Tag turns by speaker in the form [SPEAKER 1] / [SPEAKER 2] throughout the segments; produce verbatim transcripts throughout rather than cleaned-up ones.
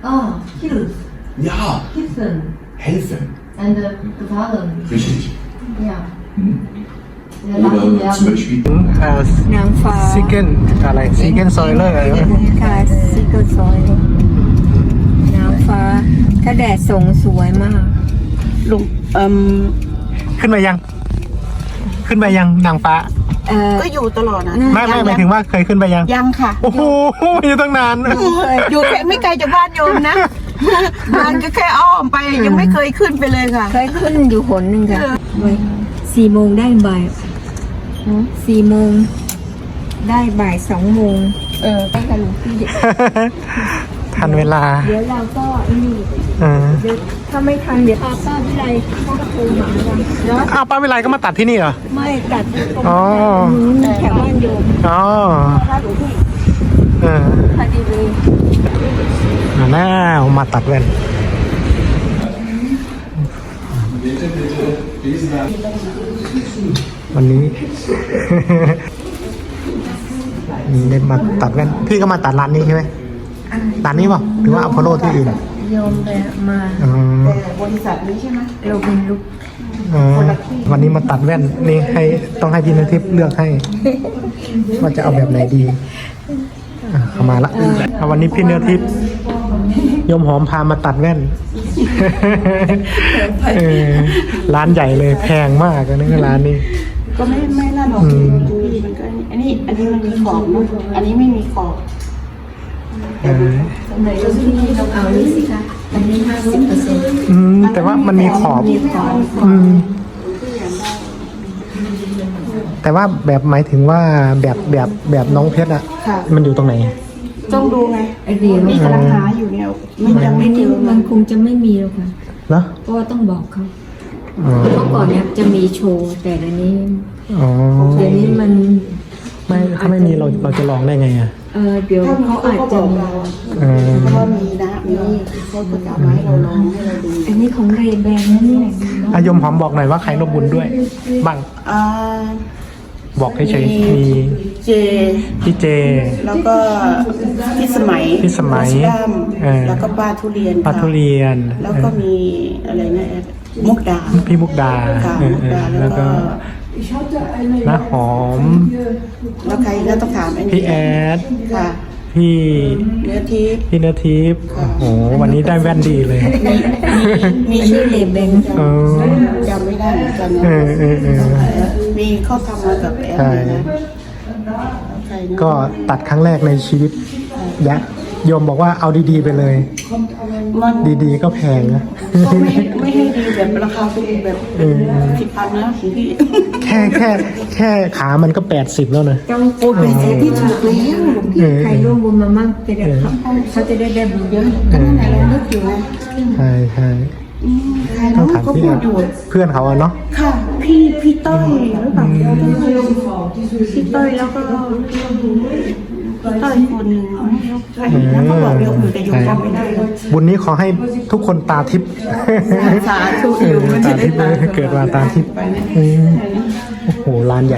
[SPEAKER 1] Oh, Hills.
[SPEAKER 2] Ja,
[SPEAKER 1] Hilfen.
[SPEAKER 2] helfen.
[SPEAKER 1] And uh, gefallen.
[SPEAKER 2] Richtig.
[SPEAKER 1] Ja.
[SPEAKER 2] Mhm.
[SPEAKER 1] Wir
[SPEAKER 2] Oder
[SPEAKER 1] lachen
[SPEAKER 2] zum
[SPEAKER 1] werden.
[SPEAKER 2] Beispiel
[SPEAKER 3] เอ่อน
[SPEAKER 4] างฟ้า
[SPEAKER 3] ซิกเกิลอะไรซิกเกิลซอยเลอร์
[SPEAKER 4] ค่ะซิกเกิลซอยนางฟ้า ถ้าแดดส่งสวยมาก
[SPEAKER 5] ลุงเอ่ม
[SPEAKER 3] ขึ้นมายัง ขึ้นไปยังนางฟ้า
[SPEAKER 4] เออ
[SPEAKER 5] ก็อยู่ตลอดนะ
[SPEAKER 3] ไม่ไม่หมายถึงว่าเคยขึ้นไปยัง
[SPEAKER 5] ยังค่ะ
[SPEAKER 3] โอ้โหอยู่ตั้งนาน
[SPEAKER 5] อยู่แค่ไม่ไกลจากบ้านโยมนะ บ้านก็แค่อ้อมไปยังไม่เคยขึ้นไปเลยค่ะ
[SPEAKER 4] เคยขึ้นอยู่หนหนึ่งค่ะเว้ยสี่โมงได้บ่ายสี่โมงได้บ่ายสองโมงเออได้ค่ะหลวงพี่
[SPEAKER 3] ทันเวลา
[SPEAKER 4] เดี๋ยวเราก็ไอ้นี่
[SPEAKER 3] เออ
[SPEAKER 4] เดี๋ยวถ้าไม่ทันเดี๋ยวพาป้าวิไลเขาก็โทรมาว่าเนาะ
[SPEAKER 3] อ้าวป้าวิไลก็มาตัดที่นี่เหรอ
[SPEAKER 4] ไม่ตัดตรง
[SPEAKER 3] อ๋อ
[SPEAKER 4] นู้นแถวบ้านโยม
[SPEAKER 3] อ๋อ
[SPEAKER 4] ถ้าหลวงพี่
[SPEAKER 3] เออ
[SPEAKER 4] พอดีเลย
[SPEAKER 3] อ่าน่ามาตัดแว่นวันนี้ นี่ได้มาตัดแว่นพี่ก็มาตัดร้านนี้ใช่ไหมร้านนี้เปล่าหรือว่าอพอลโลที่อื่น
[SPEAKER 4] โยมไปมา
[SPEAKER 3] อ๋อ
[SPEAKER 5] แต่บริษัทนี้ใช่ไหม
[SPEAKER 4] เราเป็นลูก
[SPEAKER 3] อ๋อวันนี้มาตัดแว่นนี่ให้ต้องให้พี่นทิพย์เลือกให้ ว่าจะเอาแบบไหนดีอ่ะเข้ามาละเอาวันนี้พี่เนื้อทิพย์โยมหอมพามาตัดแว่น เออร้านใหญ่เลยแพงมากนะร้านนี้
[SPEAKER 5] ก็ไม่ไม่น่าหรอก
[SPEAKER 3] อืม
[SPEAKER 5] ดูดิมันก็อันนี้อันนี้มันมีขอบเนอะอันนี้ไม่มีขอบ
[SPEAKER 3] เออ
[SPEAKER 1] ไหนเราที่นี่เราเอานี้สิคะอันนี้ห้าสิบเปอร์เซ็นต์
[SPEAKER 3] อืมแต่ว่ามันมีขอบ อืมแต่ว่าแบบหมายถึงว่าแบบแบบแบบน้องเพชรอะ
[SPEAKER 5] ค่ะ
[SPEAKER 3] มันอยู่ตรงไหน
[SPEAKER 5] ต้องดูไง
[SPEAKER 1] ไอเดีย
[SPEAKER 5] นี่กำลังหาอยู่เนี่ยมันยังไม่
[SPEAKER 1] ไม่
[SPEAKER 5] เจ
[SPEAKER 1] ที่
[SPEAKER 5] อ
[SPEAKER 1] มันคงจะไม่มีหรอกค่ะ
[SPEAKER 3] เนอะ
[SPEAKER 1] เพราะว่าต้องบอกเขา
[SPEAKER 3] อ๋อ
[SPEAKER 1] เมื่อก่อนเนี่ยจะมีโชว์แต่เดี๋ยวนี้
[SPEAKER 3] อ๋อ
[SPEAKER 1] เดี๋ยวนี้มัน
[SPEAKER 3] ไม่ถ้าไม่มีเราเราจะลองได้ไงอะ
[SPEAKER 1] เออเดี๋ยวเขาอาจจะมี
[SPEAKER 3] เออ
[SPEAKER 5] เพราะว่ามีนะมีเขาก็จะเอามาให้เราลองให้เราดู
[SPEAKER 1] อันนี้ของเรแบนนะเนี่ย
[SPEAKER 3] อายมหอมบอกหน่อยว่าใครร่วมบุญด้วย บ้าง
[SPEAKER 5] อ่า
[SPEAKER 3] บอกเฉยๆมี
[SPEAKER 5] เจ
[SPEAKER 3] พี่เจ
[SPEAKER 5] แล้วก็พี่สมัย
[SPEAKER 3] พี่สมัย
[SPEAKER 5] พี่ด้าม
[SPEAKER 3] เออ
[SPEAKER 5] แล้วก็ป้าทุเรียน
[SPEAKER 3] ปลาทุเรียน
[SPEAKER 5] แล้วก็มีอะไรนะมุกดา
[SPEAKER 3] พี่มุกดา
[SPEAKER 5] ค่ะ
[SPEAKER 3] เออ
[SPEAKER 5] มุก
[SPEAKER 3] เออ
[SPEAKER 5] ดา
[SPEAKER 3] แล้
[SPEAKER 5] แล้ว ว
[SPEAKER 3] ก็
[SPEAKER 5] ก็
[SPEAKER 3] น้าหอม
[SPEAKER 5] แล้วใครก็ต้องถามไอ้นี่
[SPEAKER 3] พี่แอด
[SPEAKER 5] ค่ะ
[SPEAKER 3] พี่
[SPEAKER 5] เนื้อทิพย์
[SPEAKER 3] พี่เนื้อทิพย์โอ้โหวันนี้ได้แว่นดีเลย
[SPEAKER 5] มี
[SPEAKER 4] ชื่อเลเบน
[SPEAKER 3] เออ
[SPEAKER 5] จำไม่ได้เหมือนกันนะ
[SPEAKER 3] เออเออเออ
[SPEAKER 5] มีเขาทำมากับแอป
[SPEAKER 3] ใช่
[SPEAKER 5] เลยนะใครนะ
[SPEAKER 3] ก็ตัดครั้งแรกในชีวิตยะโยมบอกว่าเอาดีๆไปเลย
[SPEAKER 5] มัน
[SPEAKER 3] ดีๆก็แพงนะ
[SPEAKER 5] ก็ไม่ไม่ให้ดีแบบราคาถูกแบบ
[SPEAKER 3] เออ
[SPEAKER 5] สิบพันนะของพี่
[SPEAKER 3] แค่แค่แค่ขามันก็แปดสิบแล้วนะ
[SPEAKER 4] ต้อง
[SPEAKER 5] โอ้ยเป็นเซฟที่ถูกแล้ว
[SPEAKER 3] เออ
[SPEAKER 4] ใครร่วมบุญมามั่งจะได้เขาเขาจะได้ได้บุญเยอะ
[SPEAKER 5] ก็นั่นแหละเรานึกอยู่ไง
[SPEAKER 3] ใช่ใช่
[SPEAKER 5] อืมใคร
[SPEAKER 3] ต้อง
[SPEAKER 5] รู้
[SPEAKER 3] ถาม
[SPEAKER 5] ก็
[SPEAKER 3] พี่
[SPEAKER 5] พู
[SPEAKER 3] แอ
[SPEAKER 5] ด
[SPEAKER 3] ด
[SPEAKER 5] อยู่
[SPEAKER 3] เพื่อนเขาอะเนาะ
[SPEAKER 5] ค่ะ พี่พี่ต้อยหรือเปล่าพี่ต้อยแล้วก็พี่ต้อยคนหนึ่งใครนะเขาบอกเดี๋ยวอื่นแต่อยู่จำไม่ได้เลย
[SPEAKER 3] บุญนี้ขอให้ทุกคนตาทิพย์
[SPEAKER 5] สาธุอยู่มัน
[SPEAKER 3] ตา
[SPEAKER 5] จะได้
[SPEAKER 3] ทิพย์
[SPEAKER 5] ตา
[SPEAKER 3] เกิดมาตาทิพย์อืมโอ้โหร้านใหญ่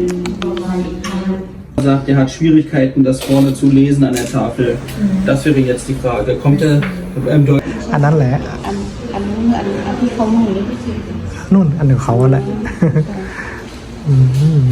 [SPEAKER 6] sagt, er hat Schwierigkeiten, das vorne zu lesen an der Tafel. Das wäre jetzt die Frage. Kommt er im Deutsch?
[SPEAKER 3] อันนั้นแหละ
[SPEAKER 5] อันอันนู้นอันอันที่เขาหนุ่มนี่
[SPEAKER 3] นู่นอันหนึ่งเขาแหละ อืม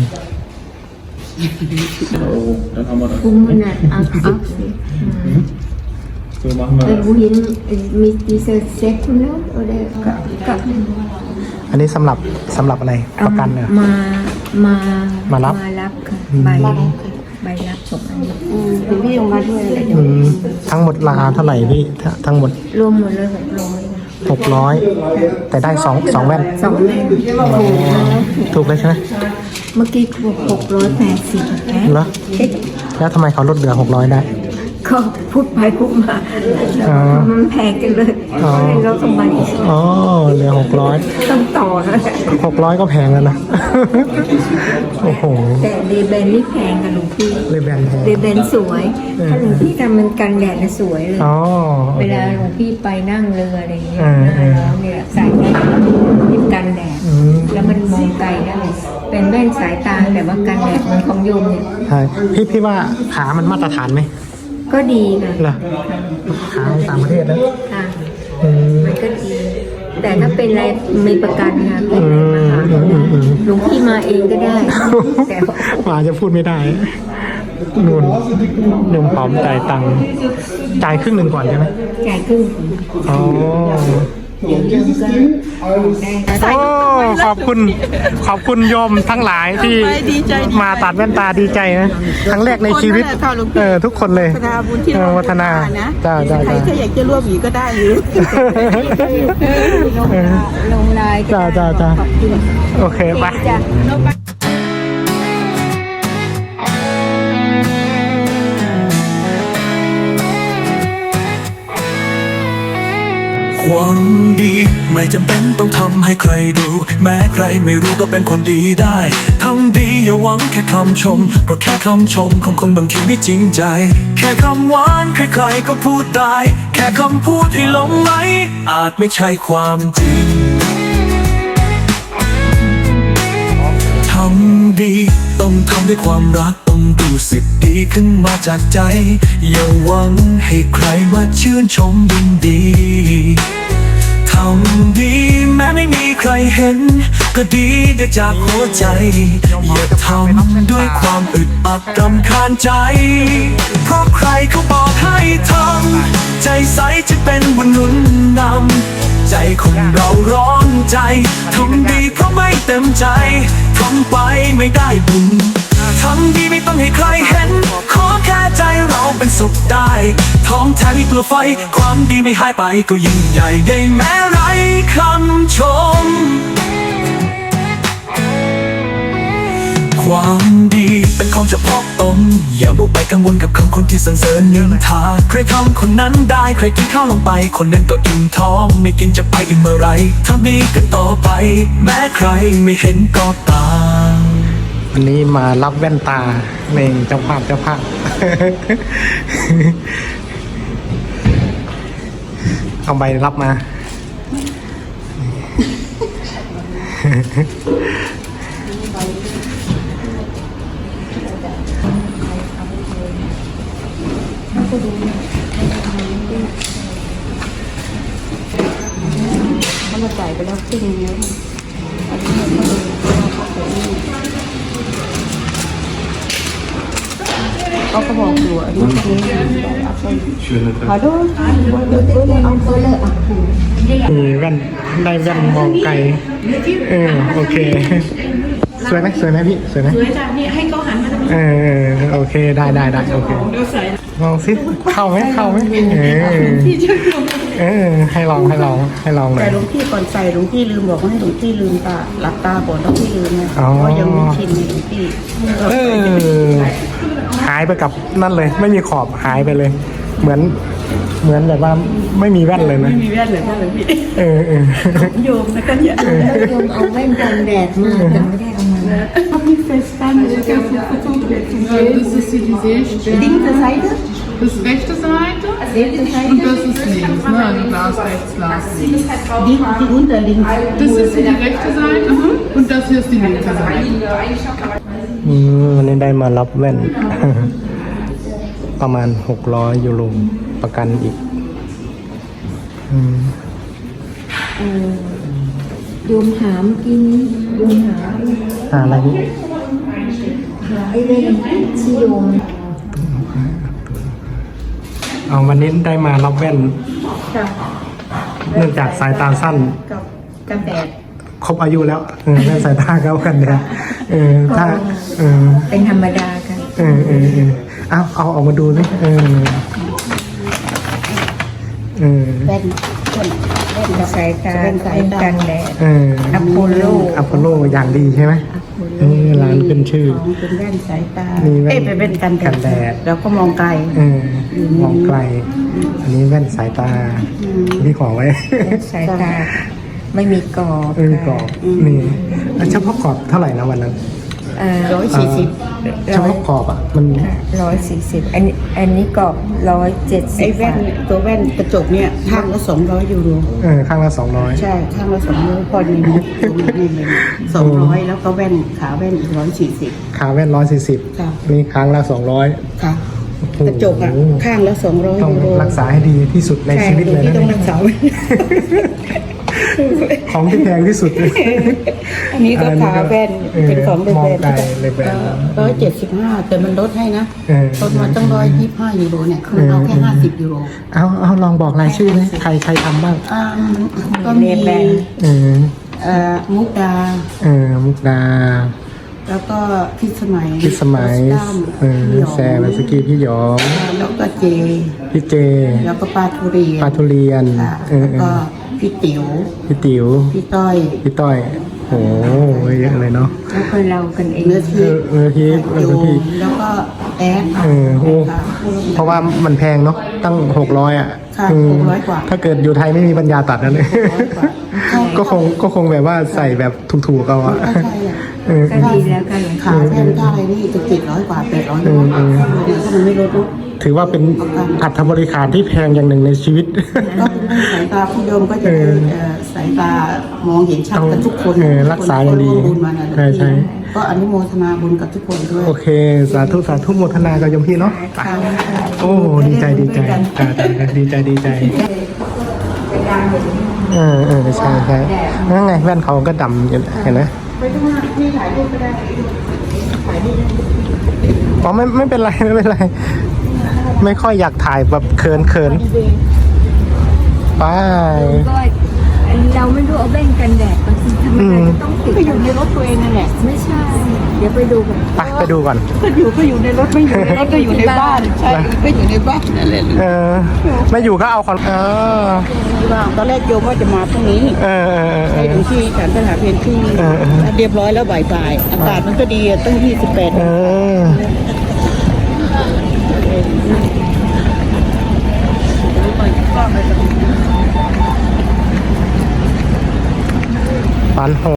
[SPEAKER 6] Euro. Dann haben wir das.
[SPEAKER 4] คุ้มมันอ่ะอัพอัพสิ
[SPEAKER 6] So machen
[SPEAKER 4] เออ
[SPEAKER 6] wir
[SPEAKER 4] บุหินมีดีเซลเซ็ตคุณเนาะโอเดกับกับ
[SPEAKER 3] อันนี้สำหรับสำหรับอะไรประกันเหรอ
[SPEAKER 4] มามา
[SPEAKER 3] มารับ
[SPEAKER 4] มารับค่ะใบใบรับส่งอันนี้
[SPEAKER 5] อืมคุณพี่ออกมาด้วยอะไรอย่าง
[SPEAKER 3] อื
[SPEAKER 5] เงี้ย
[SPEAKER 3] มทั้งหมดราคาเท่าไหร่พี่ถ้าทั้งหมด
[SPEAKER 4] รวมหมดเลยหกร้อย
[SPEAKER 3] หกร้อยแต่ได้สองสองแว่น
[SPEAKER 4] สองแม่ถูกนะ
[SPEAKER 3] ถูกเลยใช่ไหม
[SPEAKER 4] เมื่อกี้บอกหกร้อยแปดสิบนะ
[SPEAKER 3] เหรอแล้วทำไมเขาลดเหลือหกร้อยได้
[SPEAKER 4] ก็พูดไปพูดมา
[SPEAKER 3] อ๋อ
[SPEAKER 4] มันแพงกันเลย
[SPEAKER 3] อ๋อ
[SPEAKER 4] เราต้องมาอีก
[SPEAKER 3] อ๋อเหลือหกร้อย
[SPEAKER 4] ต้องต่อนะ
[SPEAKER 3] หกร้อยก็แพงแล้วนะ โอ้โห
[SPEAKER 4] แต่เดเบนนี่แพงกันหลวงพี่
[SPEAKER 3] เลยแบนแพง
[SPEAKER 4] เดเบนสวย ถ้าหลวงพี่ทำมันกันแดดนะสวยเลย
[SPEAKER 3] อ๋อ
[SPEAKER 4] เวลาหลวงพี่ไปนั่งเรืออะไรอย่างเงี้ย
[SPEAKER 3] อืม
[SPEAKER 4] หน้าร้อนเนี่ยใส่แว่นที่กันแดด
[SPEAKER 3] อืม
[SPEAKER 4] แล้วมันมองไกลได้ เป็นแว่นสายตาแต่ว่ากันแดดเหมันของโยมเนี่ย
[SPEAKER 3] ใช่พี่พี่ว่าขามันมาตรฐานไหม
[SPEAKER 4] ก็ดีนะ
[SPEAKER 3] เหรอขาของต่างประเทศศนะ
[SPEAKER 4] ค่ะ
[SPEAKER 3] อืม
[SPEAKER 4] มันก็ดี แต่ถ้าเป็นอะไรมีประกันค่ะเป็น
[SPEAKER 3] อื
[SPEAKER 4] อะไร
[SPEAKER 3] ม
[SPEAKER 4] มาหา
[SPEAKER 3] อืมอืม
[SPEAKER 4] หลวงพี่มาเองก็ได้ แต่ว่า
[SPEAKER 3] หมาจะพูดไม่ได้นู่นหนุ่มหอมจ่ายตังค์จ่ายครึ่งหนึ่งก่อนใช่ไหม
[SPEAKER 4] จ่ายครึ่ง
[SPEAKER 3] อ๋อโอ้ขอบคุณขอบคุณโยมทั้งหลายที่มาตัดแว่นตาดีใจนะครั้งแรกในชีวิตเออทุกคนเลย
[SPEAKER 5] วัฒนาบุญที่
[SPEAKER 3] เออวัฒนา
[SPEAKER 5] นะ
[SPEAKER 3] จ้าจ้า
[SPEAKER 5] ใคร
[SPEAKER 3] จ้า
[SPEAKER 5] ถ้าอยากจะร่วมอีกก็ได้อยู่
[SPEAKER 4] ลงลงลายก็
[SPEAKER 3] จ้า
[SPEAKER 4] ได้
[SPEAKER 3] จ้าจ้า
[SPEAKER 4] ขอบคุณ
[SPEAKER 3] โอเคไป
[SPEAKER 4] จ้ะ
[SPEAKER 2] ความดีไม่จำเป็นต้องทำให้ใครดู แม้ใครไม่รู้ก็เป็นคนดีได้ทำดีอย่าหวังแค่คำชมเพราะแค่คำชมของคนบางทีไม่จริงใจ แค่คำหวานใครๆก็พูดได้ แค่คำพูดที่หลงไหลอาจไม่ใช่ความจริงทำดีต้องทำด้วยความรักต้องรู้สึกดีขึ้นมาจากใจ อย่าหวังให้ใครมาชื่นชมยินดีทำดีแม้ไม่มีใครเห็น ก็ดีได้จากหัวใจ อย่าทำด้วยความอึดอัดรำคาญใจ เพราะใครเขาบอกให้ทำใจใสจะเป็นบุญหนุนนำใจคนเราร้อนใจทำดีเพราะไม่เต็มใจทำไปไม่ได้บุญทำดีไม่ต้องให้ใครเห็น ขอแค่ใจเราเป็นสุขได้ท้องแท้ไม่กลัวไฟความดีไม่หายไปก็ยิ่งใหญ่ได้แม้ไร้คำชมความดีเป็นของเฉพาะตนอย่าบุกไปกังวลกับคำคนที่สรรเสริญนินทาใครทำคนนั้นได้ใครกินข้าวลงไปคนนั้นก็อิ่มท้องไม่กินจะไปอิ่มเมื่อไรทำดีกันต่อไปแม้ใครไม่เห็นก็ตาม
[SPEAKER 3] วันนี้มารับแว่นตาเองเจ้าภาพเจ้าภาพ เอาใบรับมา
[SPEAKER 5] เขามาจ่ายไปแล้วครึ่งนึงเขาก็บอกอยู่อันนี้คือฮัลโหลเอาไปเลยอ่ะ
[SPEAKER 3] มีแว่นได้แว่นมองไกลเออโอเค สวยไหมสวยไหมพี่สวยไหม
[SPEAKER 5] สวยจ้ะนี่ให้เขาหันมา
[SPEAKER 3] เออโอเคได้ได้ได้โอเคลองสิเข้าไหมเข้าไหมเออเออให้ลองให้ลองให้ลองหน่อ
[SPEAKER 5] แต่
[SPEAKER 3] ย
[SPEAKER 5] หลวงพี่ก่อนใส่หลวงพี่ลืมบอกว่าให้หลวงพี่ลืมตาหลับตาก่อนแล้วพี่ลืมนะ
[SPEAKER 3] อ๋อ
[SPEAKER 5] เพราะยังไม่ชินหลวงพี่
[SPEAKER 3] เออหายไปกับนั่นเลย ไม่มีขอบหายไปเลย เหมือนเหมือนแบบว่าไม่มีแว่นเลยนะ
[SPEAKER 5] ไม่มีแว่นเลยค่ะหลวงพี่
[SPEAKER 3] เออเออ
[SPEAKER 5] โยมนะกันเนี่ย
[SPEAKER 4] แล้วโยมเอาแว่นกันแดดมาแต่ไม่ได้เอามา
[SPEAKER 5] มีเฟสตันเลยค่ะ
[SPEAKER 7] Das ist hier die Sehstelle.
[SPEAKER 5] ดิ้งจะใส่ด้วย
[SPEAKER 7] Das ist rechte Seite und das ist links, ne? Also Glas rechts, Glas links.
[SPEAKER 5] ดิ้งที่อุ้นแต่ลิง
[SPEAKER 7] Das ist hier die rechte Seite und das hier ist die linke Seite.
[SPEAKER 3] อืมวันนี้ได้มารับแว่น ประมาณหกร้อยยูโรประกันอีกอืม
[SPEAKER 4] โยมหามกินโยมหา
[SPEAKER 3] หาอะไรนี่
[SPEAKER 4] หาไอ้เล่นที่โยม
[SPEAKER 3] เอาวันนี้ได้มารับแว่น เนื่องจากสายตาสั้น
[SPEAKER 5] กับกันแดด
[SPEAKER 3] ครบอายุแล้วเออแว่นสายตาเข้ากันเนี่ยเออถ้าเออ
[SPEAKER 4] เป็นธรรมดากัน
[SPEAKER 3] เออเออเออเอาเอาออกมาดูสิเออเออ
[SPEAKER 5] แว่นแว่นแว่นกับ
[SPEAKER 4] สายตา
[SPEAKER 5] แว่นสายตา
[SPEAKER 4] กันแดด
[SPEAKER 3] เออ
[SPEAKER 4] อโพโล
[SPEAKER 3] อพอลโลอย่างดีใช่ไหมเออร้านขึ้นชื่อ
[SPEAKER 5] ของเป็นแว่นสายตา
[SPEAKER 3] มีแว่น
[SPEAKER 5] เอ้ยเป็นแว่นกัน
[SPEAKER 3] กันแดด
[SPEAKER 5] แล้วก็มองไกล
[SPEAKER 3] เออมองไกล อันนี้แว่นสายตาที่ขอไว้
[SPEAKER 4] สายตาไม่มีกรอบ
[SPEAKER 3] เออกรอบนี่แล้วเฉพาะกรอบเท่าไหร่นะวันนั้น
[SPEAKER 5] ร้อยสี่สิบ
[SPEAKER 3] เฉพาะกรอบอ่ะมัน
[SPEAKER 4] ร้อยสี่สิบอันนี้อันนี้กรอบร้อยเจ็ดสิ
[SPEAKER 5] ไอ้
[SPEAKER 4] บ
[SPEAKER 5] แว่นตัวแว่นกระจกเนี่ยข้างละสองร้อยยูโร
[SPEAKER 3] เออข้างละสองร้อย
[SPEAKER 5] ใช่ข้างละสองร้อยพอดีนะนี่เลยสองร้อยแล้วก็แว่นขาแว่นอีกร้อยสี่สิบ
[SPEAKER 3] ขาแว่นร้อยสี่สิบ
[SPEAKER 5] ค่ะ
[SPEAKER 3] นี่ครั้งละสองร้อย
[SPEAKER 5] ค่ะ
[SPEAKER 3] โ
[SPEAKER 5] กระจกอ่ะข้างละสองร้อย
[SPEAKER 3] ต้อง
[SPEAKER 5] ยูโร
[SPEAKER 3] รักษาให้ดีที่สุดใน
[SPEAKER 5] ใช่
[SPEAKER 3] ชีวิตเลย
[SPEAKER 5] ที่
[SPEAKER 3] นะ
[SPEAKER 5] ต้องรักษา
[SPEAKER 3] ของที่แพงที่สุดเลย
[SPEAKER 5] อันนี้ก็ขาแว่นเป็นของเด
[SPEAKER 3] มอง
[SPEAKER 5] แว่น
[SPEAKER 3] ไกลเลยแว่น
[SPEAKER 5] ร้อยเจ็ดสิบห้าแต่มันลดให้นะ
[SPEAKER 3] เออ
[SPEAKER 5] ลดมาตั้งร้อยยี่สิบห้ายูโรเนี่ยคือเอาแค่ห้าสิบยูโร
[SPEAKER 3] เอาเอาลองบอกรายชื่อไหมใครใครทำบ้าง
[SPEAKER 5] อ่าก็มี
[SPEAKER 3] เออ
[SPEAKER 5] เอ่อมุกดา
[SPEAKER 3] เออมุกดา
[SPEAKER 5] แล้วก็พิสมัย
[SPEAKER 3] พิสมัย
[SPEAKER 5] ตั้ม
[SPEAKER 3] เออ
[SPEAKER 5] พี่หยอง
[SPEAKER 3] แซมสกีพี่หยอง
[SPEAKER 5] แล้วก็เจ
[SPEAKER 3] พี่เจ
[SPEAKER 5] แล้วก็ปลาทุเรียน
[SPEAKER 3] ปลาทุเรียน
[SPEAKER 5] ค่ะ
[SPEAKER 3] เออ
[SPEAKER 5] แล้ว
[SPEAKER 3] เอ
[SPEAKER 5] ก็
[SPEAKER 3] อ
[SPEAKER 5] พี่ติ๋ว
[SPEAKER 3] พี่ติ๋ว
[SPEAKER 5] พี่ต้อย
[SPEAKER 3] พี่ต้อยโอ้โหเยอะเลยเนาะ
[SPEAKER 4] แล้วก็เรากันเอง
[SPEAKER 5] เนื้อ
[SPEAKER 3] เอ
[SPEAKER 5] ที่
[SPEAKER 3] อเออพี่เอ
[SPEAKER 5] โย
[SPEAKER 3] อพี่
[SPEAKER 5] มแล้วก็แอด
[SPEAKER 3] เออโอ้เพราะว่ามันแพงเนาะตั้งหกร้อยอ่ะ
[SPEAKER 5] ค่ะ
[SPEAKER 3] อืม
[SPEAKER 5] หกร้อยกว่า
[SPEAKER 3] ถ้าเกิดอยู่ไทยไม่มีปัญญาตัดนั่นเลย
[SPEAKER 5] ร้อยกว่าใช่
[SPEAKER 3] ก็คงก็คงแบบว่าใส่แบบถูกๆเอาอะ
[SPEAKER 5] ก็ใช่แหละ
[SPEAKER 3] เออ
[SPEAKER 4] ก็ดีแล้วกันเลย
[SPEAKER 5] ขาแว่นค่าอะไรนี่จะเจ็ดร้อยกว่าแปดร้อยยูโรถ้ามันไม่ลดเนอะ
[SPEAKER 3] ถือว่าเป็นอัตบริการที่แพงอย่างหนึ่งในชีวิต
[SPEAKER 5] ก็เป็นสายตาผู้โยมก็จะได้เอ่อสายตามองเห็นชัดกันทุกคน
[SPEAKER 3] เออรักษาอย่างดี
[SPEAKER 5] ร่วมบุญมานะ
[SPEAKER 3] ใช่ใช่
[SPEAKER 5] ก็อนุโมทนาบุญกับทุกคนด้วย
[SPEAKER 3] โอเค สาธุสาธุโมทนากับโยมพี่เนาะไปโอ้ดีใจดีใจจ้าจ้าดีใจดีใจเออเออใช่ใช่นั่นไงแว่นเขาก็ดำอยู่เห็นไหม
[SPEAKER 5] ไปดูว่านี่ถ่ายรูปก็ได้ถ่ายรูป
[SPEAKER 3] อ๋อไม่ไม่เป็นไรไม่เป็นไร ไม่ค่อยอยากถ่ายแบบเขินเขินไป
[SPEAKER 4] ก็เราไม่รู้เอาแว่นกันแดดบางทีทำไมเราจะต้องติด
[SPEAKER 5] ก็อยู่ในรถตัวเองนั่นแหละ
[SPEAKER 4] ไม่ใช่ เดี๋ยวไปดูกัน
[SPEAKER 3] ไปไปดูก่อน
[SPEAKER 5] ก็อยู่ก็อยู่ในรถไม่อยู่ในรถก็อยู่ในบ้านใช่ก็อยู่ในบ้านนั่นแหละ
[SPEAKER 3] เออไม่อยู่ก็เอาคอนเออ
[SPEAKER 5] ว่างตอนแรกโยมว่าจะมาพรุ่งนี้
[SPEAKER 3] เออเออเออ
[SPEAKER 5] ไปถึงที่ฉันสถานเพลที่
[SPEAKER 3] เออเออ
[SPEAKER 5] เรียบร้อยแล้วบ่ายๆอากาศมันก็ดีอะตั้งยี่สิบแปด
[SPEAKER 3] เออปันโห